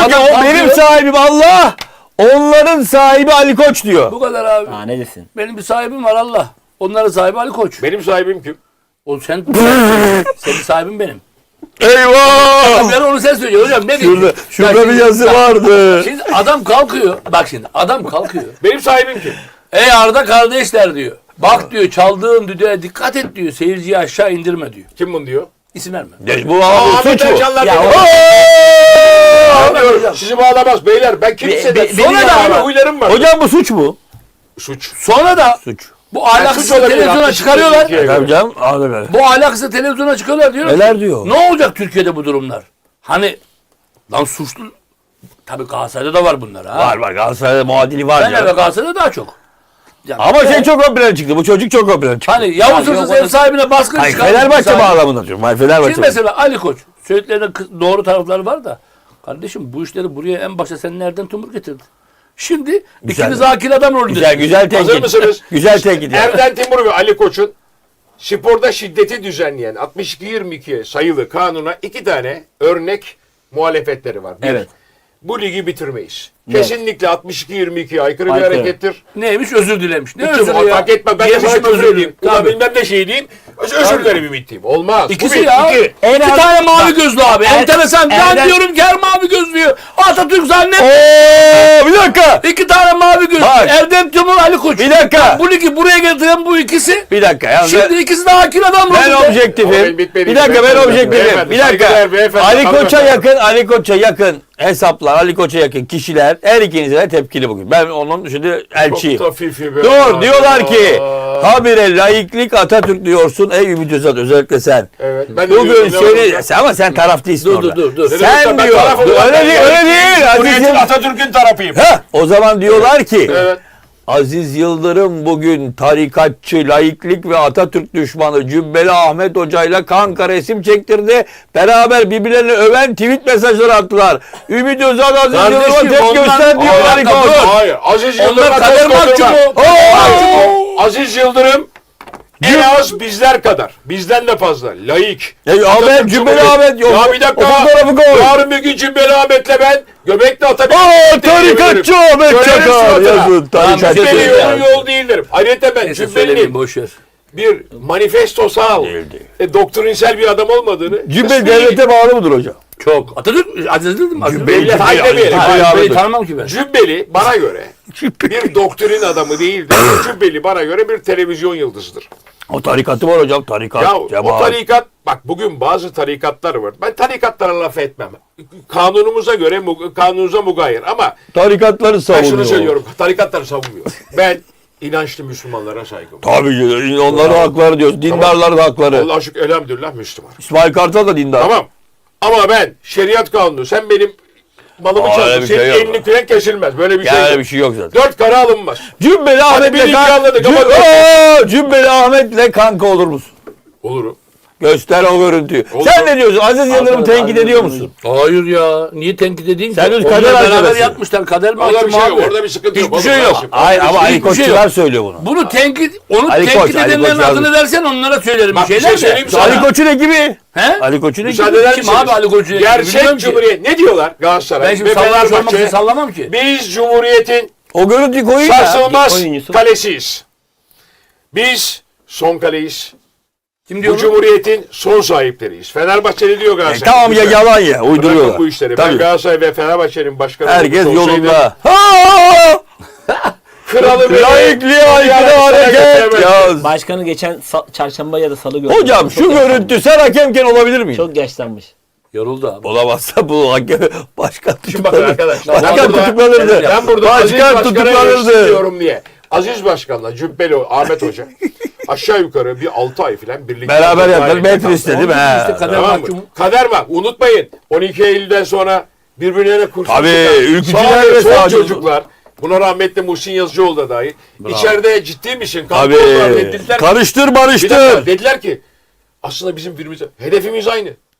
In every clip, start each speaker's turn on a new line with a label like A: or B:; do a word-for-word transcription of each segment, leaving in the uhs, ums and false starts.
A: diyor ki o benim sahibim Allah. Onların sahibi Ali Koç diyor.
B: Bu kadar abi.
C: Aa, ne desin?
B: Benim bir sahibim var Allah. Onların sahibi Ali Koç.
D: Benim sahibim kim?
B: O sen senin sahibin benim.
A: Eyvah!
B: Ben onu sen söylüyorsun hocam. Ne
A: Şurada,
B: diyeyim?
A: şurada
B: Ya
A: bir
B: şimdi-
A: yazı
B: bak,
A: vardı.
B: Şimdi adam kalkıyor. Bak şimdi adam kalkıyor.
D: Benim sahibim kim?
B: Ey Arda kardeşler diyor. Bak diyor çaldığın düdüğe dikkat et diyor. Seyirciyi aşağı indirme diyor.
D: Kim bunu diyor?
B: İsim verme.
A: Ya bu
D: Aa,
A: abi
D: Ahmet
A: suç bu.
D: Ercanlar
C: Ya
D: benim.
C: o-
D: Aa, Sizi bağlamaz beyler. Ben kimseden.
C: Be- be-
D: Sonra
C: beni
D: da
C: bağlamaz.
D: böyle huylarım var.
A: Hocam bu suç mu?
D: Suç.
B: Sonra da
A: Suç.
B: bu ahlaksız
D: suç olabilir,
B: televizyona
D: haklısın.
B: çıkarıyorlar.
D: Türkiye'ye
A: Tabii canım. Abi böyle.
B: Bu ahlaksız televizyona çıkıyorlar diyorlar.
A: Neler
B: ki,
A: diyor?
B: Ne olacak Türkiye'de bu durumlar? Hani lan suçlu tabii Galatasaray'da da var bunlar ha.
A: Var var Galatasaray'da muadili var.
B: Ben
A: canım.
B: ve Galatasaray'da daha çok. Yani
A: Ama
B: ben-
A: şey çok ön plana çıktı. Bu çocuk çok ön plana çıktı.
B: hani Yavuz
C: Ya,
B: Hırsız
C: yok,
B: ev sahibine baskın
A: Hayır
B: çıkarmış.
A: Fenerbahçe
B: sahibi.
A: bağlamında diyorum. Hayır Fenerbahçe.
B: Şimdi mesela Ali Koç. Söylediklerinde kı- doğru tarafları var da. Kardeşim bu işleri buraya en başta sen nereden tumur getirdin? Şimdi
A: Güzel.
B: ikiniz akil adam rolünde.
A: Güzel güzel tenkit.
D: Hazır mısınız?
A: Güzel tenkit. yani.
D: Erden Timur ve Ali Koç'un sporda şiddeti düzenleyen altmış iki yirmi iki sayılı kanuna iki tane örnek muhalefetleri var. Bir,
C: Evet.
D: bu ligi bitirmeyiz.
C: Evet.
D: Kesinlikle altmış iki yirmi iki aykırı bir
C: Aykırı.
D: harekettir.
B: Neymiş özür dilemiş. Ne
D: Kim
B: özür ya?
D: fark etme ben de
B: Yemişim
D: sana küfür
B: özür
D: edeyim.
B: dilerim.
D: Ulan
B: Tabii.
D: bilmem ne şey diyeyim. Öz- Özür dilerim ümit diyeyim. Olmaz. Bu
B: İkisi
D: bir,
B: ya.
D: iki.
C: En
B: İki
C: az-
B: tane mavi
C: Bak,
B: gözlü abi.
C: Er-
B: Enteresan. Ben
C: Erdem-
B: diyorum ki her mavi gözlüyor. Atatürk zannet.
A: Oo, bir dakika.
B: İki tane mavi gözlü.
A: Bak.
B: Erdem Timur, Ali Koç.
A: Bir dakika.
B: Bu ligi buraya getiren bu ikisi.
A: Bir dakika. Ya
B: Şimdi ikisi de akil adam
A: ben
B: rolünde.
D: Ama
A: objektifim.
D: ben bitmedi.
A: Bir dakika ben
D: Beyefendi,
A: objektifim.
D: beyefendi,
A: Bir dakika.
D: saygıdeğer beyefendi,
A: Ali Koç'a
D: hanımefendi.
A: yakın, Ali Koç'a yakın hesaplar, Ali Koç'a yakın kişiler her ikinize de tepkili bugün. Ben onun şimdi elçiyim.
D: Çok hafifi be.
A: Dur diyorlar ki
D: Aa.
A: habire laiklik Atatürk diyorsun ey Ümit Özat özellikle sen.
D: Evet. Ben de
A: Bugün
D: diyorum,
A: seni
D: inanamıyorum.
A: sen- ama sen taraf değilsin
B: Dur,
A: orada.
B: dur, dur, dur.
A: Sen
D: Ben
A: diyor.
D: tarafım,
A: Öyle
D: ben
A: değil,
D: tarafım.
A: öyle değil.
D: Cumhuriyetin
A: Aziz'im.
D: Atatürk'ün tarafıyım.
A: Heh, o zaman diyorlar ki
D: Evet.
A: Aziz Yıldırım bugün tarikatçı, laiklik ve Atatürk düşmanı Cübbeli Ahmet Hoca'yla kanka resim çektirdi. Beraber birbirlerini öven tweet mesajları attılar. Ümit Özal Aziz
B: Kardeşim,
A: Yıldırım'a tepki
B: onlar-
A: göster diyor
B: Hayır,
A: Ali Koç.
B: dur.
D: Hayır. Aziz
B: Onlar
D: Yıldırım
B: kader mahkumu.
A: Oo!
D: Aziz Yıldırım en az bizler kadar. Bizden de fazla. Laik.
A: Ya, ya
D: Atatürk
A: ben Cübbeli
D: Cumhuriyeti-
A: Ahmet yok.
D: Ya bir
A: O
D: dakika.
A: fotoğrafı koy.
D: Yarın bir gün Cübbeli Ahmet'le ben göbekle atabilirim.
A: Aa, tarikatçı Ahmet
D: Söylerim
A: Çakar
D: suratına.
A: yazın. Tarikatçı.
B: Cübbeli
D: Cübbeli
B: ya.
D: yolun yol değildir. Ayrıca ben
B: Neyse söylemeyeyim
D: Cübbeli'nin
B: boş ver.
D: bir manifestosal,
A: Değil, değil.
D: e, doktrinsel bir adam olmadığını.
A: Cübbeli
D: resmi-
A: devlete bağlı mıdır hocam?
B: Çok. Atatürk Aziz Yıldırım. Aziz
A: Cübbeli-
B: Yıldırım.
D: Hayır demeyelim.
A: Cübbeli-
B: Hayır,
A: Cübbeli-
B: Cübbeli tanımam ki ben.
D: Cübbeli bana göre bir doktrin adamı değildir. Cübbeli bana göre bir televizyon yıldızıdır.
A: O tarikatı var hocam. Tarikat,
D: Ya o
A: cemaat.
D: tarikat, bak bugün bazı tarikatlar var. Ben tarikatlara laf etmem. Kanunumuza göre, mu- kanunuza mugayir ama
A: Tarikatları
D: ben
A: savunuyor.
D: şunu söylüyorum. Tarikatları savunmuyorum. Ben inançlı Müslümanlara saygım.
A: Tabii ki, onların hakları diyoruz. Dindarların hakları.
D: Allah'a şükür elhamdülillah Müslüman.
A: İsmail Kartal da dindar.
D: Tamam. Ama ben şeriat kanunu, sen benim malımı
A: Aa, öyle
D: çaldın,
A: bir
D: senin
A: şey yok.
D: elini küren kesilmez. Böyle bir
A: Yani
D: şey
A: öyle
D: yok.
A: bir şey yok zaten.
D: Dört kara alınmaz.
A: Cübbeli Ahmet'le
D: birinci
A: kan...
D: anladık ama-
A: Cü- Oo, Cübbeli Ahmet'le kanka olur musun?
D: Olurum.
A: Göster o görüntüyü.
D: Olur.
A: Sen ne diyorsun? Aziz Yıldırım'ı
C: Aziz
A: tenkit ediyor
C: Yıldırım.
A: musun?
B: Hayır ya. Niye tenkit edeyim ki?
A: Sen düz
B: Onlar
A: kader
B: beraber
A: arkadaşı.
B: yapmışlar. Kader
D: Orada bir
B: mahkumu
D: şey yok.
B: abi.
D: Orada bir sıkıntı yok.
B: Hiçbir şey
D: Oğlum,
B: yok.
D: kardeşim.
A: Hayır ama Ali
B: Hiçbir şey
A: Koççular
B: yok.
A: söylüyor bunu.
B: Bunu tenkit, onu
A: Ali
B: tenkit
A: Koç, Ali
B: edenlerin
A: Koç
B: adını
A: yazmış.
B: versen onlara söylerim
D: Bak,
B: bir
D: bir
B: şeyler
D: şey söyleyeyim
B: de.
D: sana.
A: Ali Koç'un ekibi.
B: He?
A: Ali Koç'un ekibi.
D: Müsaade eder
B: Kim
D: misiniz?
B: abi Ali Koç'u? Bilmiyorum
D: Gerçek
B: ki.
D: Cumhuriyet. Ne diyorlar Galatasaray
B: Ben şimdi
D: ve
B: sallamam, sormak için
D: Fenerbahçe?
B: sallamam ki.
D: Biz Cumhuriyet'in
A: O görüntüyü koyun ya.
D: sarsılmaz
C: oyuncusu.
D: kalesiyiz. Biz son kaleyiz.
B: Kim diyor
D: Bu
B: onu?
D: Cumhuriyet'in son sahipleriyiz. Fenerbahçeli diyor
A: E,
D: Galatasaray.
A: tamam ya
D: Lütfen.
A: yalan ya.
D: Bırakın
A: Uyduruyorlar.
D: bu işleri.
A: Tabii.
D: Ben Galatasaray ve Fenerbahçe'nin başkanı
A: Herkes
D: olmuş olsaydım,
A: yolunda. Ha!
D: Kralı beni
A: Laikliğe aykırı hareket. Ya.
C: Başkanı geçen sa- çarşamba ya da salı gördüm.
A: Hocam
C: Çok
A: şu
C: yaşlanmış.
A: görüntü sen hakemken olabilir miydin?
C: Çok yaşlanmış.
B: Yoruldu abi.
A: Olamazsa bu hakem başkan
D: Şimdi bakın
A: tutuklanır.
D: arkadaşlar.
A: Başkan
D: ben burada-
A: tutuklanırdı.
D: Ben burada Aziz
A: Başkan
D: Başkan'a
A: tutuklanırdı.
D: diyorum diye. Aziz Başkan'la Cübbeli Ahmet Hoca aşağı yukarı bir altı ay falan birlikte.
A: Beraber yaptılar.
D: Halinde
A: Metris
D: kaldılar.
A: dedi mi?
B: Onun işte
A: He.
B: kader
D: Tamam mı?
B: mahkumu.
D: Kader var. Unutmayın. on iki Eylül'den sonra birbirlerine kurşun
A: Tabii,
D: sıkan
A: ülkücüler
D: sağ ve
A: ve
D: sol
A: sağcı-
D: çocuklar. Buna rahmetli Muhsin Yazıcıoğlu da dahil. İçeride ciddi misin?
A: Tabii.
D: Dediler,
A: Karıştır
D: bir dakika,
A: barıştır.
D: dediler ki aslında bizim birbirimize hedefimiz aynı.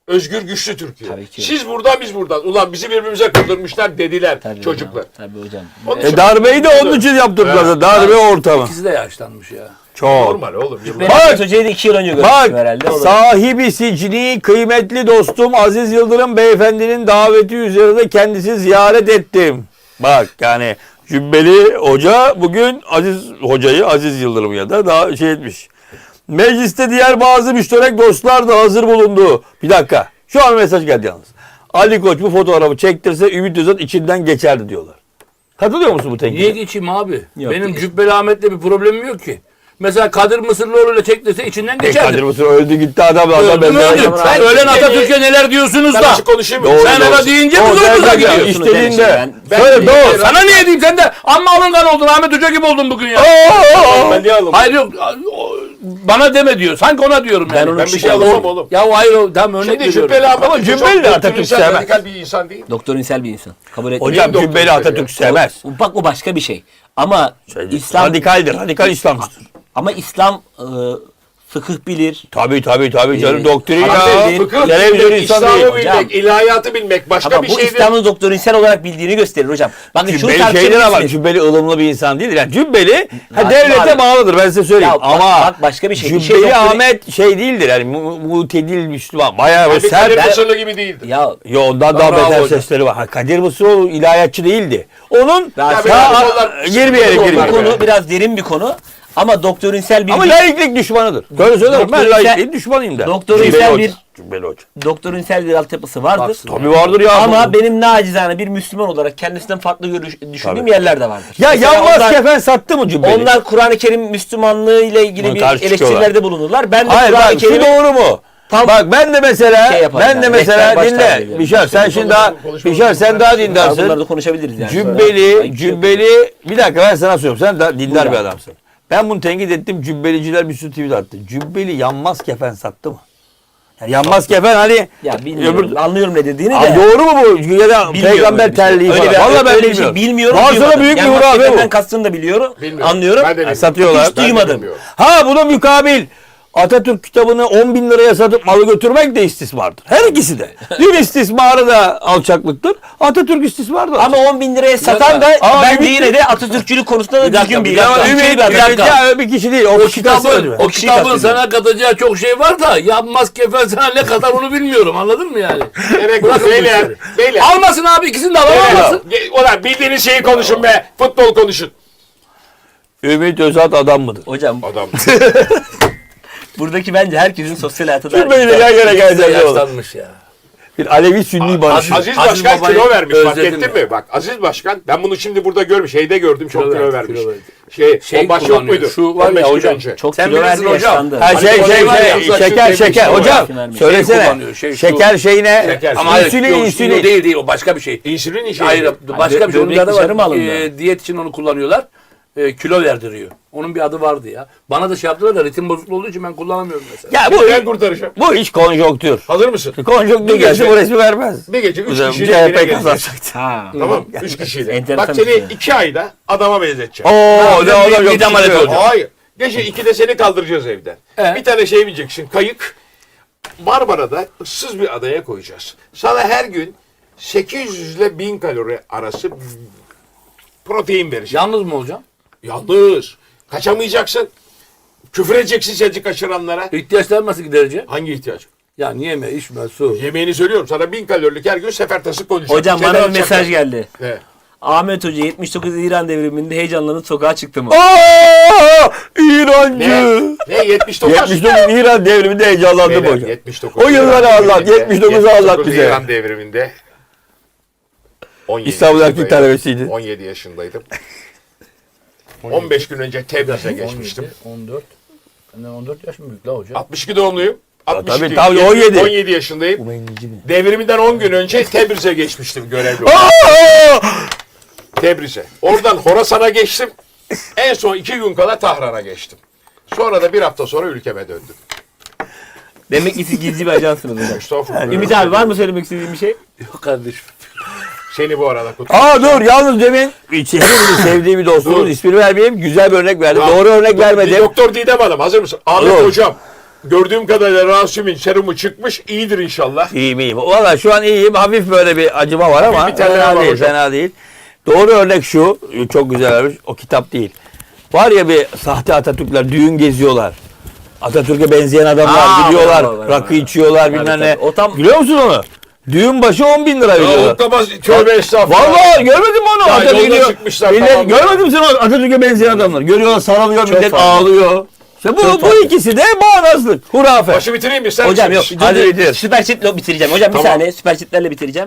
D: özgür güçlü Türkiye.
C: Tabii ki.
D: Siz buradan biz buradan. Ulan bizi birbirimize kırdırmışlar dediler
C: Tabii
D: çocuklar.
C: Hocam, tabii hocam.
D: Onun
A: E
D: için-
A: darbeyi de onun için yaptırdılar. Darbe ortamı.
B: İkisi de yaşlanmış ya.
A: Çok.
D: Normal oğlum.
C: Ben
A: Bak,
C: Ahmet Hoca'yı da iki yıl önce görmüştüm
A: Bak
C: herhalde. O da-
A: sahibi sicni kıymetli dostum Aziz Yıldırım beyefendinin daveti üzerine kendisi ziyaret ettim. Bak yani Cübbeli Hoca bugün Aziz Hoca'yı Aziz Yıldırım ya da daha şey etmiş. Mecliste diğer bazı müşterek dostlar da hazır bulundu. Bir dakika. Şu an mesaj geldi yalnız. Ali Koç bu fotoğrafı çektirse Ümit Özat içinden geçerdi diyorlar. Katılıyor musun bu tenkide?
B: Niye geçeyim abi?
C: Yok,
B: Benim
C: değil.
B: Cübbeli Ahmet'le bir problemim yok ki. Mesela Kadir Mısırlıoğlu ile çektirse içinden
A: E,
B: geçerdi.
A: Kadir Mısır öldü gitti adam. adam
B: Öldü mü
A: ben-
B: öldü?
A: ben-
B: Sen ölen Atatürk'e neler diyorsunuz
D: Ben
B: da?
D: açık konuşayım mı?
A: Doğru,
B: Sen
A: doğru.
B: ona deyince
A: O
B: mi zorumuza
A: derken
B: gidiyor?
C: Diyorsunuz
A: İstediğinde.
C: demişim ben.
A: Söyle doğru.
B: Sana niye diyeyim sen de amma alıngan oldun Ahmet Hoca gibi oldun bugün ya.
A: Aa!
D: Ben niye alım?
B: Hayır yok o- bana deme diyor. Sanki ona diyorum yani.
C: Ben onu
D: Ben bir şey
C: Şimdi-
D: alamam oğlum.
B: Ya hayır o tam örnek
D: Şimdi
B: veriyorum.
D: Cübbeli Ahmet
A: Ama
D: Hoca
A: Cübbeli
D: çok
A: de Atatürk
D: doktrinal,
A: sevmez.
D: radikal bir insan değil.
C: Doktorinsel bir insan. Kabul etmiyorum.
A: Hocam
D: Doktor
A: Cübbeli
D: söylüyor.
A: Atatürk sevmez.
C: O- Bak o başka bir şey. Ama İslam
A: İslam radikaldir. Radikal İslamcıdır.
C: ama İslam e, fıkıh bilir.
A: Tabii tabii tabii canım
C: Ee,
A: doktrin
C: Ama
A: ya.
C: bildiğin-
D: Fıkıh
A: Televizyon
D: bilmek,
A: insan değil.
D: İslam'ı
C: hocam.
D: bilmek, ilahiyatı bilmek başka
C: Ama
D: bir
C: bu
D: şeydir.
C: İslam'ın doktorinsel olarak bildiğini gösterir hocam. Bakın şunu
A: Cübbeli şeydir ama
C: tartışabilirsiniz.
A: Cübbeli ılımlı bir insan değil. Yani Cübbeli ha,
C: Bak,
A: devlete
C: abi.
A: bağlıdır ben size söyleyeyim.
C: Ya bak-
A: ama
C: bak başka bir şey. Bir
A: Cübbeli
C: şey doktrin-
A: Ahmet şey değildir. Yani mu- mutedil Müslüman. Bayağı
D: Yani
A: böyle
D: Kadir
A: sert.
D: Mısırlı gibi değildir.
C: Ya
A: Yo, ondan daha
B: Bravo
A: beter
B: hocam.
A: sesleri var. Ha, Kadir Mısıroğlu ilahiyatçı değildi. Onun
C: Ya
A: ta,
D: biraz
A: a-
D: onlar-
A: girmeyelim
D: onlar
C: bu
A: girmeyelim.
D: be.
C: konu biraz derin bir konu. Ama doktorinsel bir
A: Ama laiklik düşmanıdır. Böyle söylerim ben
C: Doktorinsel-
A: laikliğin düşmanıyım der.
C: doktorinsel
A: Cübbeli
C: bir-
A: Hoca. Cübbeli Hoca.
C: doktorinsel bir altyapısı vardır.
B: Baksın.
A: Tabii vardır ya.
C: Ama benim nacizane bir Müslüman olarak kendisinden farklı görüş, düşündüğüm
A: Tabii.
C: yerler de vardır.
A: Ya
C: Mesela
A: yanmaz
C: onlar-
A: kefen sattı mı Cübbeli?
C: Onlar Kur'an-ı Kerim Müslümanlığı ile ilgili
A: Buna
C: bir
A: karşı çıkıyorlar.
C: eleştirilerde bulunurlar. Ben de
A: Hayır
C: Kur'an-ı
A: bak şu
C: Kerim'i
A: doğru mu?
C: Tam
A: Bak ben de mesela
C: şey yaparım
A: ben de
C: yani,
A: mesela
C: rehber baştan
A: dinle.
C: geliyorum.
A: Bişar sen şimdi daha Bişar sen daha
C: bunları
A: dindarsın.
C: da konuşabiliriz yani.
A: Cübbeli,
C: Sonra-
A: Cübbeli bir dakika ben sana söylüyorum. Sen daha dindar
C: Buyur
A: bir
C: abi.
A: adamsın. Ben bunu tenkit ettim. Cübbeliciler bir sürü tweet attı. Cübbeli yanmaz kefen sattı mı? Yani yanmaz kefen hani
C: Ya bilmiyorum.
A: öbür-
C: Anlıyorum ne dediğini
A: Abi
C: de.
A: doğru mu bu? Ya da
C: Bilmiyorum
A: peygamber
C: öyle bir şey.
A: terliği
C: Öyle
A: falan.
C: bir-
A: Vallahi ben
C: öyle bir
A: bilmiyorum.
C: şey bilmiyorum.
A: Varsa da
C: duymadım.
A: büyük bir
C: Yani
A: hurafe
C: maskeden
A: bu.
C: kastını da biliyorum.
D: Bilmiyorum.
C: Anlıyorum.
D: Ben de bilmiyorum.
A: Satıyorlar.
C: Hiç duymadım.
D: bilmiyorum.
A: Ha buna mukabil Atatürk kitabını on bin liraya satıp malı götürmek de istismardır. Her ikisi de. Din istismarı da alçaklıktır. Atatürk istismarı da
C: Ama on bin liraya satan da
A: Aa,
C: bence
A: Ümit-
C: yine de Atatürkçülük konusunda da
B: Bir dakika,
C: düzgün bir
B: bir dakika.
C: dakika.
A: Ümit,
C: Ümit, bir
A: Ümit
C: dakika.
A: ya bir kişi değil. O,
B: O
A: kişi
B: kitabın,
A: kastediyor.
B: o
C: kişiyi
B: kitabın
C: kastediyorum.
B: sana katacağı çok şey var da yapmaz kefen sana ne kadar onu bilmiyorum anladın mı yani?
D: Demek
B: Bırakın
D: bu
B: bu
D: beyler.
B: işleri.
D: Beyler.
B: Almasın abi ikisini de alamazsın.
D: Ge- Ulan bildiğiniz şeyi konuşun be. Futbol konuşun.
A: Ümit Özat adam mıdır?
C: Hocam
D: Adam.
C: buradaki bence herkesin sosyal hayatı da
A: Cübbeliyle yan yana geleceğiz oğlum.
B: Yaşlanmış ya.
A: Bir Alevi Sünni barışı.
D: Aziz
B: Aziz
D: Başkan
B: Baba'yı
D: kilo vermiş fark
B: özledim
D: ettin
B: ya.
D: mi? Bak Aziz Başkan ben bunu şimdi burada görmüş. Şeyde gördüm çok
B: Kilo
D: kilo,
B: verdi,
D: vermiş.
B: kilo verdi.
D: Şey,
B: Şey
D: o baş yok
B: kullanıyor,
D: muydu?
B: şu var ya
D: on beş gün
B: hocam,
D: önce.
C: çok
B: Sen
C: kilo verdi
B: bilirsin hocam.
C: yaşlandı.
A: Ha şey
B: Hani
A: şey
B: o var ya,
A: şey
B: uzak
A: şeker
D: şu
A: şeker
D: demiş,
A: hocam
C: o var.
A: söylesene.
B: kullanıyor, şey şu.
A: Şeker şeyine
D: Şeker.
B: Ama hayır,
A: insülin
B: yok,
A: insülin.
B: o değil değil o başka bir şey.
D: İnsülin işi.
B: Hayır başka bir şey. Onun
C: böbrek
B: bir adı
C: dışarı mı
B: var.
C: alındı?
B: E, diyet için onu kullanıyorlar. E, kilo verdiriyor. Onun bir adı vardı ya. Bana da şey yaptılar da ritim bozukluğu olduğu için ben kullanamıyorum mesela.
A: Ya bu
D: Ben kurtaracağım.
A: bu iş konjonktür.
D: Hazır mısın?
A: Konjonktür
D: Bir
A: gelse
D: gece-
A: bu resmi vermez.
D: Bir gece üç
A: Hocam,
D: kişiyle
A: C H
D: yine
A: P
D: geleceğiz.
A: kazanacaktı.
C: Ha.
D: Tamam üç kişiyle.
C: Enteresan
D: Bak
C: bir
D: seni
C: şey.
D: iki ayda adama benzeteceğim.
A: Oo ne olur yok.
B: bir damat
A: şimdi.
B: olacak.
D: Hayır. Gece ikide seni kaldıracağız evden.
B: Ee?
D: Bir tane şey bineceksin. Kayık. Marmara'da ıssız bir adaya koyacağız. Sana her gün sekiz yüz ile bin kalori arası protein vereceğim.
B: Yalnız mı hocam?
D: Yalnız. Kaçamayacaksın. Küfür edeceksin seni kaçıranlara.
B: İhtiyaçlar nasıl giderecek?
D: Hangi ihtiyaç?
B: Yani yeme, içme, su.
D: Yemeğini söylüyorum. Sana bin kalorilik her gün sefertası konuşacağım.
C: Hocam bana
D: Şeyden
C: bir mesaj
D: çakar.
C: geldi.
D: Ne?
C: Ahmet Hoca yetmiş dokuz İran devriminde heyecanlanıp sokağa çıktı mı?
A: Aa, İrancı.
D: Ne? Ne? yetmiş dokuz?
A: yetmiş dokuz İran devriminde heyecanlandım
D: Beyler,
A: hocam.
D: yetmiş dokuz
A: O yılları
D: İran
A: anlat,
D: devriminde,
A: yetmiş dokuzu anlat
D: yetmiş dokuz
A: bize.
D: İran devriminde on yedi
A: İstanbul Erkek
D: yaşındaydım.
A: talebesiydi.
D: on yedi yaşındaydım. on beş gün önce Tebriz'e geçmiştim.
B: on dört. Benden on dört yaş mı büyük la hocam?
D: altmış iki doğumluyum. altmış iki,
A: tabii, tabii, on yedi.
D: on yedi yaşındayım. Devriminden on gün önce Tebriz'e geçmiştim görevli olarak.
A: Aa!
D: Tebriz'e. Oradan Horasan'a geçtim. En son iki gün kala Tahran'a geçtim. Sonra da bir hafta sonra ülkeme döndüm.
C: Demek ki siz gizli bir ajansınız hocam.
D: Estağfurullah.
C: Ümit abi var mı söylemek istediğin bir şey?
B: Yok kardeşim.
D: Seni bu arada kutluyorum.
A: Aa dur yalnız demin hepimizin sevdiği bir dostumuz
D: Dur.
A: ismini vermeyeyim güzel bir örnek verdi.
D: Ya,
A: Doğru örnek
D: do-
A: vermedim.
D: Doktor Didem Hanım hazır mısın? Ahmet
A: Dur.
D: Hocam. gördüğüm kadarıyla Rasim'in serumu çıkmış. İyidir inşallah.
A: İyiyim iyiyim. Valla şu an iyiyim. Hafif böyle bir acıma var ama
D: bir terleme
A: fena
D: var
A: değil,
D: hocam.
A: fena değil. Doğru örnek şu. Çok güzel örnek. O kitap değil. Var ya bir sahte Atatürkler düğün geziyorlar. Atatürk'e benzeyen adamlar
C: Aa,
A: gidiyorlar.
C: var, var, var,
A: rakı
C: var.
A: içiyorlar
C: Tabii,
A: bilmem ne.
C: tabii. O tam-
A: Biliyor musun onu? Düğün başı on bin lira
D: Ya
A: veriyorlar.
D: oklama tövbe estağfurullah.
A: Vallahi görmedin mi onu?
D: Ya
A: Atatürk
D: yolda
A: gidiyor.
D: çıkmışlar,
A: Millet,
D: tamam ya.
A: görmedin mi sen o Atatürk'e benzeyen adamlar? Görüyorlar, sarılıyor, millet
C: fazla.
A: ağlıyor. İşte bu,
C: Çok
A: bu
C: fazla.
A: ikisi de bağnazlık. Hurafe.
D: Başı bitireyim mi? Sen
C: Hocam yok.
D: misin?
A: Hadi
C: Hadi
A: bitir.
C: süper çitle bitireceğim. Hocam
D: Tamam.
C: bir saniye süper çitlerle bitireceğim.